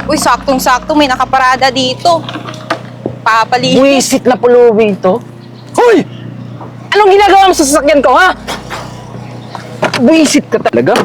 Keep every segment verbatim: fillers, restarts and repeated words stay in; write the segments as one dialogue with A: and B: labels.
A: Uy, saktong-sakto may nakaparada dito. Papalinis.
B: Buwisit na pulubi ito. Hoy! Anong ginagawa mo sa sasakyan ko, ha? Buwisit ka talaga.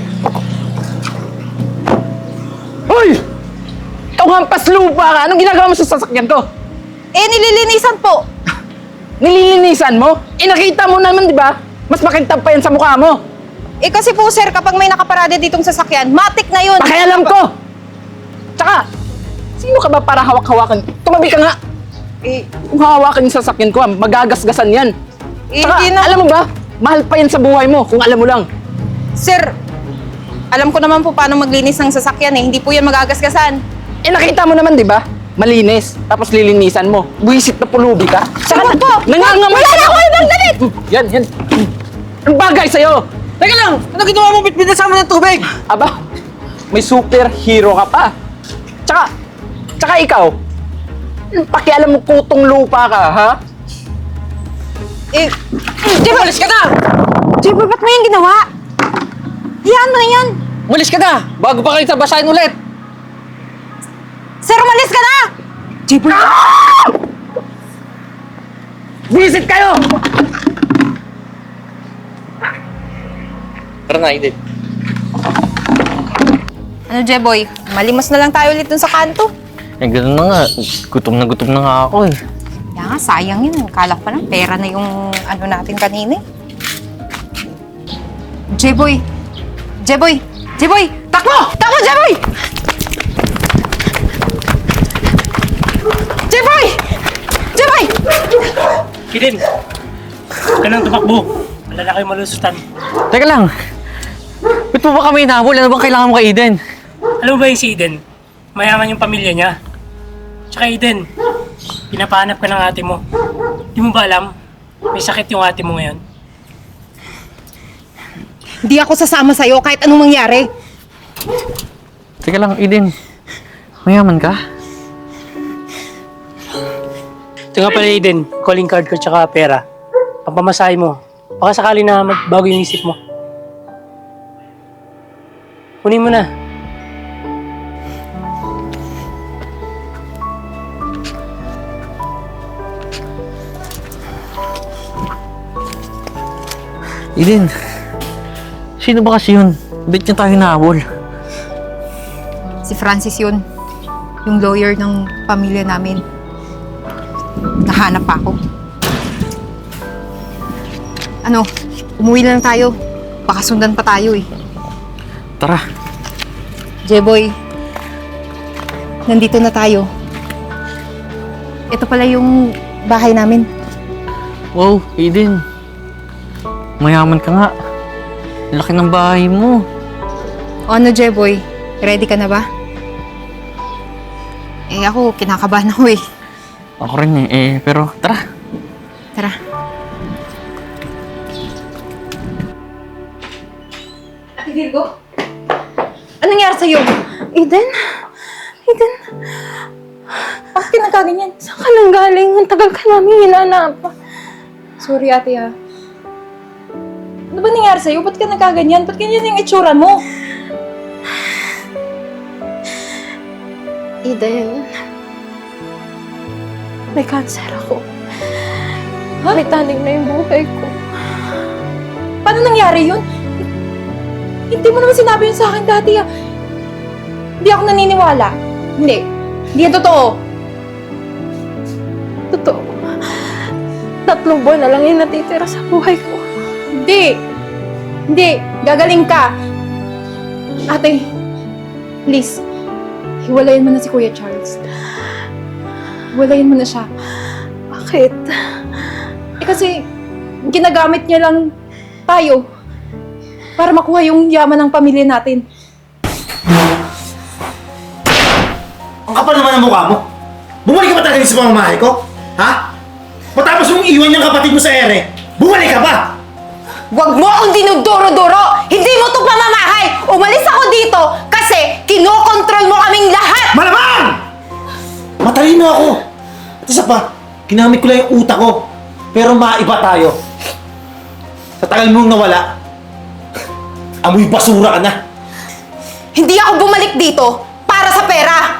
B: Hoy! Itong hampas lupa ka. Anong ginagawa mo sa sasakyan ko?
A: Eh, nililinisan po.
B: Nililinisan mo? Eh, nakita mo naman, di ba? Mas makintab pa yan sa mukha mo.
A: Eh, kasi po, sir, kapag may nakaparada ditong sasakyan, matik na yun.
B: Pakialam ko! Tsaka, sino ka ba para hawak-hawakan? Tumabi ka nga!
A: Eh,
B: Kung hawakan yung sasakyan ko, magagasgasan yan.
A: eh,
B: Tsaka,
A: hindi na.
B: alam mo ba? Mahal pa yan sa buhay mo, kung alam mo lang.
A: Sir, alam ko naman po paano maglinis ng sasakyan eh. Hindi po yan magagasgasan.
B: Eh, nakita mo naman, di ba? Malinis, tapos lilinisan mo. Buwisit na pulubi ka.
A: Saka po!
B: Nangangamay
A: Wala na ako ibang damit!
B: Yan, yan. Ang bagay sa'yo!
C: Teka lang! Ano ginawa mo? Bitbit na sa amin ng tubig!
B: Aba, may superhero ka pa. Tsaka, tsaka ikaw, pakialam mo kutong lupa ka, ha?
A: Eh,
C: Di ba? Malis ka na!
A: Jeboy, ba't mo yung ginawa? Hiyaan mo na yan.
C: Malis ka na! Bago pa kita basahin ulit!
A: Sir, umalis ka na!
B: Jeboy! Visit kayo!
C: Tara na, Eden.
A: Ano, Jeboy? Malimos na lang tayo ulit dun sa kanto.
C: Eh, gano'n na nga. Gutom na gutom na nga ako eh.
A: Kaya nga, sayang yun. Kala ko pa lang, pera na yung ano natin kanina eh. Jeboy! Jeboy! Jeboy! Takbo! Takbo, Jeboy! Jeboy! Jeboy!
D: Eden, huwag ka nang tumakbo. Malala kayo malusutan.
C: Teka lang. Ba't mo ba kami inahabol? Ano bang kailangan mo kay Eden?
D: Alam mo ba yung si Eden? Mayaman yung pamilya niya. Tsaka Eden, pinapahanap ka ng ate mo. Di mo ba alam? May sakit yung ate mo ngayon.
A: Hindi ako sasama sa'yo kahit anong mangyari.
C: Teka lang, Eden. Mayaman ka?
D: Ito nga pala Eden, calling card ko tsaka pera. Pampamasahe mo. Baka sakali na magbago yung isip mo. Kunin mo na.
C: Eden, sino ba kasi yun? Ba't niya tayo nahabol?
A: Si Francis yun. Yung lawyer ng pamilya namin. Nahanap pa ako. Ano, umuwi na lang tayo. Baka sundan pa tayo eh.
C: Tara.
A: Jeboy, nandito na tayo. Ito pala yung bahay namin.
C: Wow, Eden. Mayaman ka nga. Laki ng bahay mo.
A: O ano, Jeboy? Ready ka na ba? Eh ako, kinakabahan ako eh.
C: Ako rin eh. Eh, pero tara.
A: Tara. Ate Virgo? Anong nangyari sa'yo?
E: Eden? Eden?
A: Bakit ka nagkaganyan?
E: Saan ka nang galing? Ang tagal ka namin hinanap.
A: Sorry, ate ha. Ano ba nangyari sa'yo? Ba't ka nagkaganyan? Ba't ganyan yung itsura mo?
E: Eden, may cancer ako.
A: Ha?
E: May tanig na yung buhay ko.
A: Paano nangyari yun? Hindi mo naman sinabi yun sa akin dati ha. Hindi ako naniniwala. Hindi. Hindi yan totoo.
E: Totoo. Tatlong buwan na lang yung natitira sa buhay ko.
A: Hindi. Hindi. Gagaling ka. Ate, please. Hiwalayin mo na si Kuya Charles. Hiwalayin mo na siya.
E: Bakit?
A: Eh kasi, ginagamit niya lang tayo para makuha yung yaman ng pamilya natin.
F: Ang kapal naman ng mukha mo. Bumalik ka ba talaga sa pamamahay ko? Ha? Matapos mong iwan yung kapatid mo sa ere, bumalik ka ba?
A: Huwag mo akong dinuduro-duro! Hindi mo to pamamahay! Umalis ako dito kasi kinokontrol mo kaming lahat!
F: Malamang! Matalino ako. At isa pa, ginamit ko lang yung utak ko. Pero maiba tayo. Sa tagal mong nawala, amoy basura ka na.
A: Hindi ako bumalik dito para sa pera!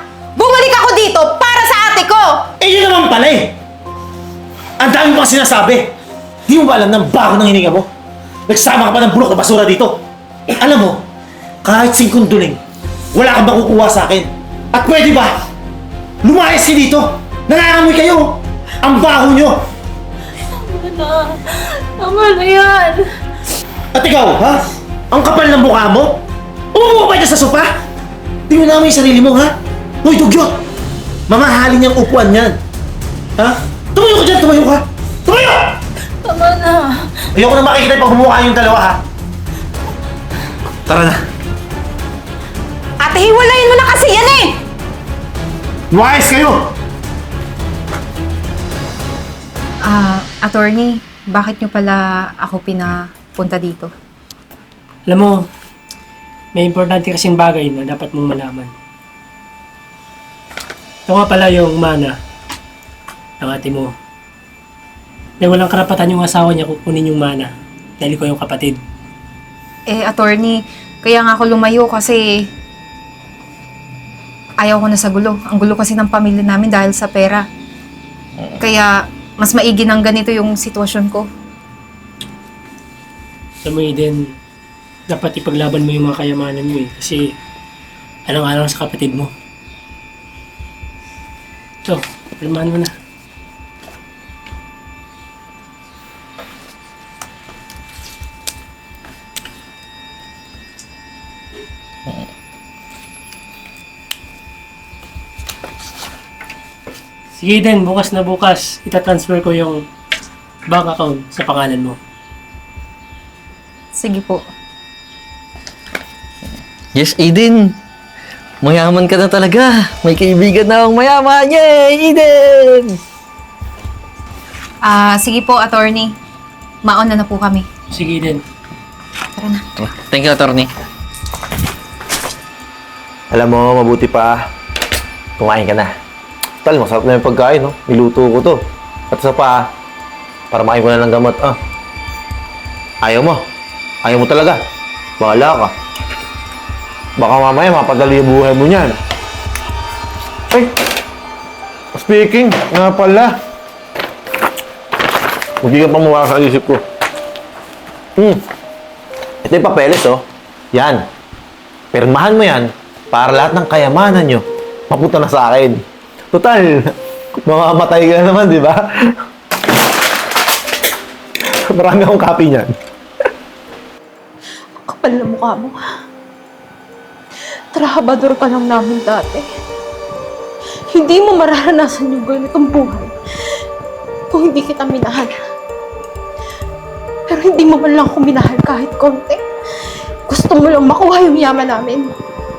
F: naman pala eh! Ang dami mo kasi sinasabi! Di mo ba alam ng bago ng hininga mo? Nagsama ka pa ng bulok na basura dito! Alam mo, kahit singkong duling, wala kang makukuha sa akin. At pwede ba? Lumayas ka dito! Nangangamoy kayo! Ang baho nyo!
E: Tama na. Tama na yan.
F: At ikaw, ha? Ang kapal ng mukha mo? Umupo ka ba dyan sa sopa? Tingnan namin yung sarili mo, ha? Hoy, dugyot! Mamahalin niyang upuan yan. Ha? Tumayo ka dyan, tumayo ka! Tumayo!
E: Tama na.
F: Ayoko na makikita pag bumukha yung dalawa, ha? Tara na.
A: Ate, hiwalayin mo na kasi yan eh!
F: Lumayas kayo!
A: Ah, attorney, bakit nyo pala ako pinapunta dito?
D: Alam mo, may importante kasing bagay na dapat mong malaman. Ito nga pala yung mana ng ate mo. Na walang karapatan yung asawa niya kukunin yung mana dahil ko yung kapatid.
A: Eh, attorney, kaya nga ako lumayo kasi ayaw ko na sa gulo. Ang gulo kasi ng pamilya namin dahil sa pera. Kaya mas maigi ng ganito yung sitwasyon ko.
D: Alam mo, Eden, dapat ipaglaban mo yung mga kayamanan mo eh. Kasi alang-alang sa kapatid mo. So, palamahan mo na. Sige din, bukas na bukas, itatransfer ko yung bank account sa pangalan mo.
A: Sige po.
C: Yes, Eden. Mayaman ka na talaga. May kaibigan na akong mayaman. Yay, Eden!
A: Ah, sige po, attorney. Mauna na po kami.
D: Sige din.
A: Tara na.
C: Thank you, attorney.
G: Alam mo, mabuti pa. Kumain ka na. Tal, masarap na yung pagkain, no? Niluto ko to. At isa pa, para makain ko na ng gamot, ah. Ayaw mo. Ayaw mo talaga. Bahala ka. Baka mamaya mapadali yung buhay mo niyan. Ay! Speaking, nga pala. Hindi ka pa mawala sa isip ko. Hmm. Ito yung papeles, oh. Yan. Pirmahan mo yan para lahat ng kayamanan nyo mapunta na sa akin. Total, mamamatay ka naman, di ba? Marami akong copy niyan.
E: Kapal na mukha mo. Trabador ka lang namin dati. Hindi mo mararanasan yung ganitong buhay kung hindi kita minahal. Pero hindi mo man lang ako minahal kahit konti. Gusto mo lang makuha yung yaman namin.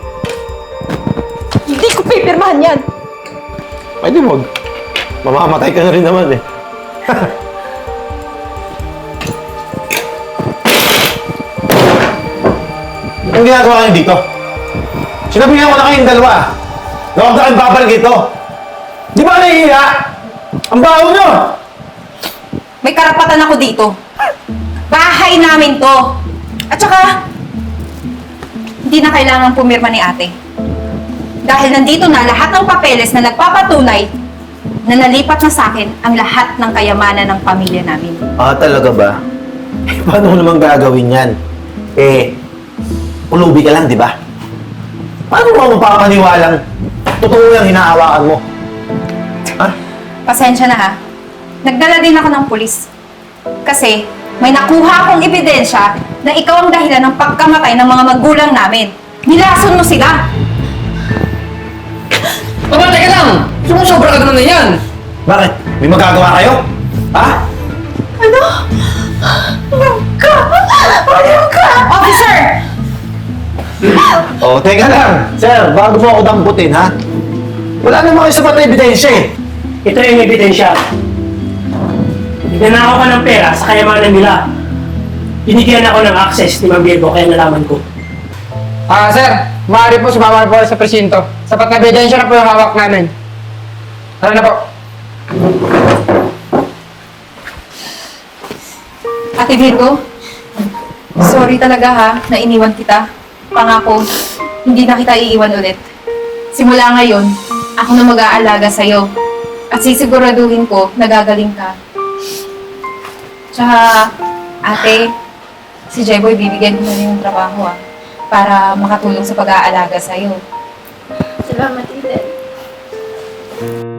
E: Hindi ko pipirmahan yan.
G: Pwede wag. Mamamatay ka na rin naman eh.
F: Anong ginagawa niyo dito? Sinabihan ko na kayong dalawa. Na huwag na kayong babalik ito. Di ba nahihiya? Ang baho nyo!
A: May karapatan ako dito. Bahay namin to. At saka, hindi na kailangan pumirma ni ate. Dahil nandito na lahat ng papeles na nagpapatunay na nalipat na sa akin ang lahat ng kayamanan ng pamilya namin.
G: Ah, talaga ba? Eh, paano mo naman gagawin yan? Eh, ulubi ka lang, di ba? Paano mo mapapaniwalang totoo yung hinahawakan mo? Ha?
A: Pasensya na ha. Nagdala din ako ng pulis. Kasi may nakuha akong ebidensya na ikaw ang dahilan ng pagkamatay ng mga magulang namin. Nilason mo sila!
C: Papa, teka lang! Sumusobra ka naman na yan!
F: Bakit? May magagawa kayo? Ha?
E: Ano? Huwag ka! Huwag ka!
A: Officer!
F: Oh, teka lang. Sir, bago mo ako damputin, ha? Wala naman kayo sapat na ebidensya eh.
D: Ito yung ebidensya. Nagnanakaw ka ng pera sa kayamanan nila. Binigyan ako ng access ni Ma'am Virgo kaya nalaman ko.
H: Ah, sir, maaari po sumama na po sa presinto. Sapat na ebidensya na po yung hawak namin. Tara na po.
A: Ate Virgo, sorry talaga ha, na iniwan kita. Pangako, hindi na kita iiwan ulit. Simula ngayon, ako na mag-aalaga sa'yo. At sisiguraduhin ko, nagagaling ka. Tsaka, ate, si Jeboy bibigyan ko na rin ng trabaho ah, para makatulong sa pag-aalaga sa'yo.
E: Salamat, Eden.